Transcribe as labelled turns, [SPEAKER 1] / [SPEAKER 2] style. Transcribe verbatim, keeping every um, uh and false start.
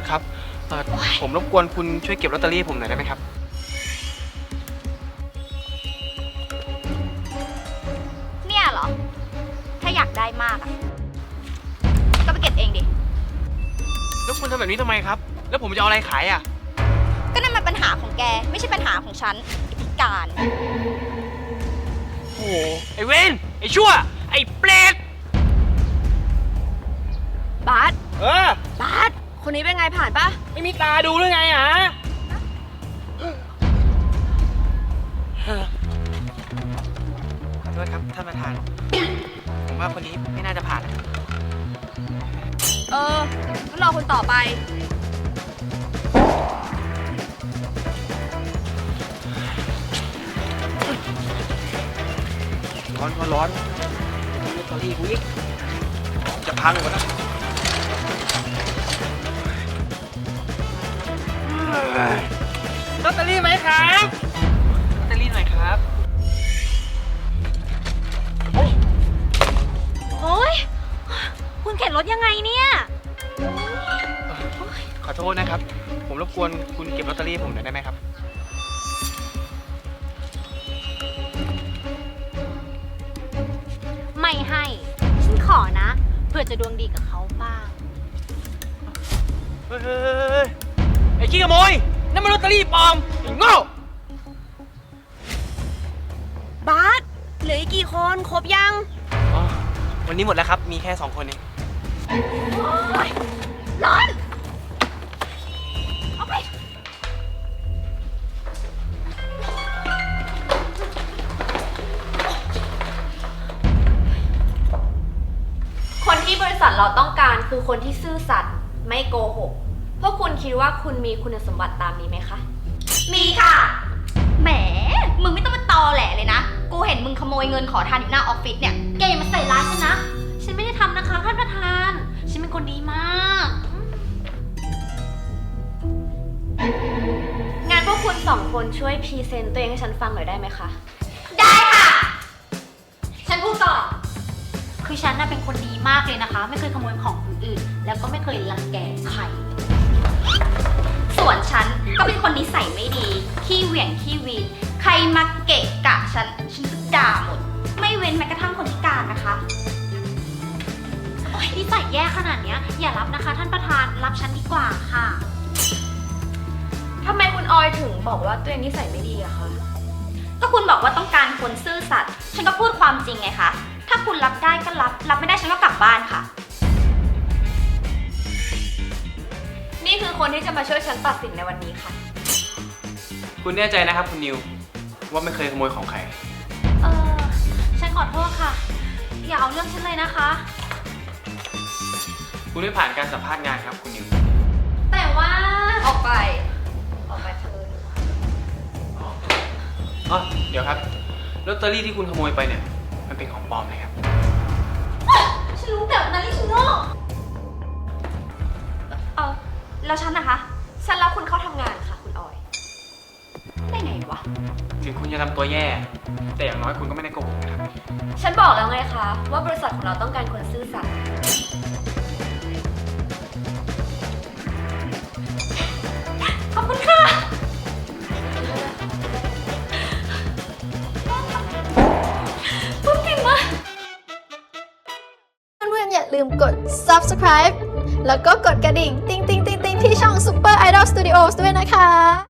[SPEAKER 1] ครับผมรบกวนคุณช่วยเก็บลอตเตอรี่ผมหน่อยได้ไหมครับ
[SPEAKER 2] เนี่ยเหรอถ้าอยากได้มากอะก็ไปเก็บเองดิ
[SPEAKER 1] แล้วคุณทำแบบนี้ทำไมครับแล้วผมจะเอาอะไรขายอ่ะ
[SPEAKER 2] ก็นั่นมันปัญหาของแกไม่ใช่ปัญหาของฉันไอ้พิการ
[SPEAKER 1] โอ้ไอ้เวนไอ้ชั่วไอ้เปรต
[SPEAKER 3] บาส
[SPEAKER 1] เออบ
[SPEAKER 3] าสคนนี้เป็นไงผ่านปะ
[SPEAKER 1] ไม่มีตาดูหรือไงฮะขอโทษครับท่านประธานผมว่าคนนี้ไม่น่าจะผ่านนะครับ
[SPEAKER 3] เอองั้นรอคนต่อไป
[SPEAKER 1] ร้อนร้อนร้อนลอตเตอรี่กูอีกจะพังหมดแล้วลอตเตอรี่ไหมครับลอตเตอรี่หน่อยครับ
[SPEAKER 2] โอ๊ยคุณเข็นรถยังไงเนี่ย
[SPEAKER 1] ขอโทษนะครับผมรบกวนคุณเก็บลอตเตอรี่ผมหน่อยได้ไหมครับ
[SPEAKER 2] ไม่ให้ฉันขอนะเพื่อจะดวงดีกับเขาบ้าง
[SPEAKER 1] เฮ้ยไอ้ขี้ขโมยนั่นมันลอตเตอรี่ปลอมไอ้โง่
[SPEAKER 3] บาสเหลืออีกกี่คนครบยัง
[SPEAKER 1] อ๋อวันนี้หมดแล้วครับมีแค่สองคนเอง
[SPEAKER 2] ร้อนเอาไป
[SPEAKER 3] คนที่บริษัทเราต้องการคือคนที่ซื่อสัตย์ไม่โกหกพวกคุณคิดว่าคุณมีคุณสมบัติตามนี้ไหมคะ
[SPEAKER 2] มีค่ะแหมมึงไม่ต้องมาตอแหลเลยนะกูเห็นมึงขโมยเงินขอทานอยู่หน้าออฟฟิศเนี่ยแกอย่ามาใส่ร้ายฉันนะฉันไม่ได้ทำนะคะท่านประธานฉันเป็นคนดีมาก
[SPEAKER 3] งานพวกคุณสองคนช่วยพรีเซนต์ตัวเองให้ฉันฟังหน่อยได้ไหมคะ
[SPEAKER 2] ได้ค่ะฉันพูดก่อนคือฉันน่ะเป็นคนดีมากเลยนะคะไม่เคยขโมยของคนอื่นแล้วก็ไม่เคยรังแกใครส่วนฉันก็เป็นคนนิสัยไม่ดีขี้เหวี่ยงขี้วีนใครมาเกะกะฉันฉันจะด่าหมดไม่เว้นแม้กระทั่งคนพิการนะคะโอ๊ยนิสัยแย่ขนาดเนี้ยอย่ารับนะคะท่านประธานรับฉันดีกว่าค่ะ
[SPEAKER 3] ทำไมคุณออยถึงบอกว่าตัวเองนิสัยไม่ดีอะคะ
[SPEAKER 2] ก็คุณบอกว่าต้องการคนซื่อสัตย์ฉันก็พูดความจริงไงคะถ้าคุณรับได้ก็รับรับไม่ได้ฉันก็กลับบ้านค่ะ
[SPEAKER 3] นี่คือคนที่จะมาช่วยฉันตัดสินในวันนี้ค่ะ
[SPEAKER 1] คุณแน่ใจนะครับคุณนิวว่าไม่เคยขโมยของใคร
[SPEAKER 2] เออฉันขอโทษค่ะอย่าเอาเรื่องฉันเลยนะคะ
[SPEAKER 1] คุณไม่ผ่านการสัมภาษณ์งานครับคุณนิว
[SPEAKER 2] แต่ว่า
[SPEAKER 3] ออกไปออกไปเถอะ
[SPEAKER 1] อ๋อเดี๋ยวครับลอตเตอรี่ที่คุณขโมยไปเนี่ยมันเป็นของปลอมนะครับ
[SPEAKER 2] ฉันรู้แบบนั้นที่ฉันโง่เออแล้วฉันนะคะ
[SPEAKER 3] ฉันรับคุณเข้าทำงานค่ะคุณออย
[SPEAKER 2] ได้ไงวะ
[SPEAKER 1] ถึงคุณจะทำตัวแย่แต่อย่างน้อยคุณก็ไม่ได้โกหกนะครับ
[SPEAKER 3] ฉันบอกแล้วไงคะว่าบริษัทของเราต้องการคนซื่อสัตย์
[SPEAKER 2] ขอบคุณค่ะพูดเก่งมาก
[SPEAKER 4] เพื่อนๆอย่าลืมกด ซับสไครบ์ แล้วก็กดกระดิ่ง ติ๊งติ๊งติ๊งติ๊งที่ช่อง Super Idol Studios ด้วยนะคะ